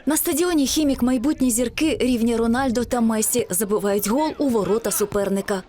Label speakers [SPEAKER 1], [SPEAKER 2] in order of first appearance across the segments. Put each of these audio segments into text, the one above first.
[SPEAKER 1] На стадіоні «Хімік» майбутні зірки рівня Рональдо та Месі забивають гол у ворота суперника.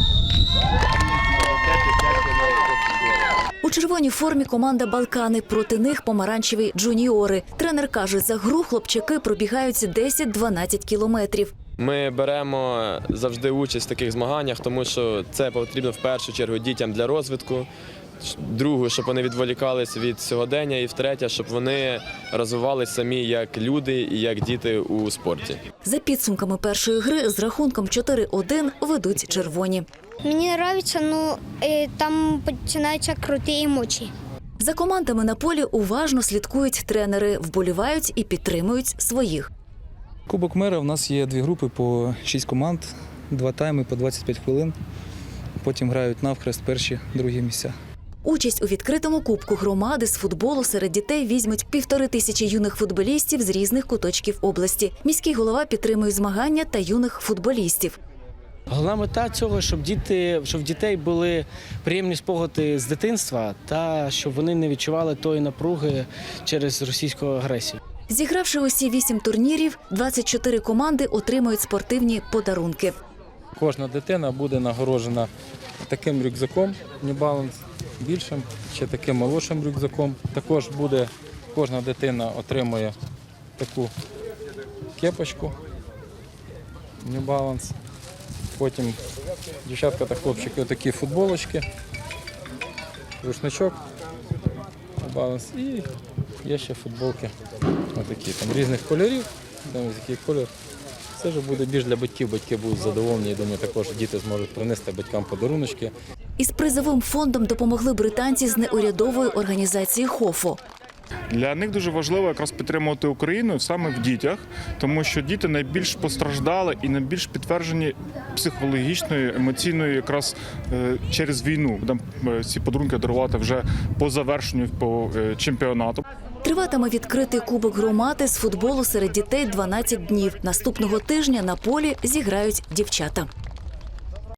[SPEAKER 1] У червоній формі команда «Балкани», проти них помаранчеві джуніори. Тренер каже, за гру хлопчаки пробігають 10-12 кілометрів.
[SPEAKER 2] Ми беремо завжди участь в таких змаганнях, тому що це потрібно в першу чергу дітям для розвитку, другу, щоб вони відволікались від сьогодення, і втретє, щоб вони розвивалися самі як люди і як діти у спорті.
[SPEAKER 1] За підсумками першої гри з рахунком 4-1 ведуть червоні.
[SPEAKER 3] Мені подобається, там починаються круті емоції.
[SPEAKER 1] За командами на полі уважно слідкують тренери, вболівають і підтримують своїх.
[SPEAKER 4] Кубок мера у нас є 2 групи по 6 команд, 2 тайми по 25 хвилин. Потім грають навхрест перші, другі місця.
[SPEAKER 1] Участь у відкритому кубку громади з футболу серед дітей візьмуть 1500 юних футболістів з різних куточків області. Міський голова підтримує змагання та юних футболістів.
[SPEAKER 5] Головна мета цього, щоб в дітей були приємні спогади з дитинства та щоб вони не відчували тої напруги через російську агресію.
[SPEAKER 1] Зігравши усі 8 турнірів, 24 команди отримують спортивні подарунки.
[SPEAKER 4] Кожна дитина буде нагороджена таким рюкзаком New Balance, більшим, ще таким молодшим рюкзаком. Також кожна дитина отримує таку кепочку New Balance. Потім дівчатка та хлопчики отакі футболочки, рушничок New Balance і є ще футболки отакі, там різних кольорів, який колір. Це вже буде більш для батьків, батьки будуть задоволені, я думаю, також діти зможуть принести батькам подаруночки.
[SPEAKER 1] Із призовим фондом допомогли британці з неурядової організації «Хофо».
[SPEAKER 6] Для них дуже важливо якраз підтримувати Україну саме в дітях, тому що діти найбільш постраждали і найбільш підтверджені психологічною, емоційною якраз через війну. Будемо ці подарунки дарувати вже по завершенню по чемпіонату.
[SPEAKER 1] Триватиме відкритий кубок громади з футболу серед дітей 12 днів. Наступного тижня на полі зіграють дівчата.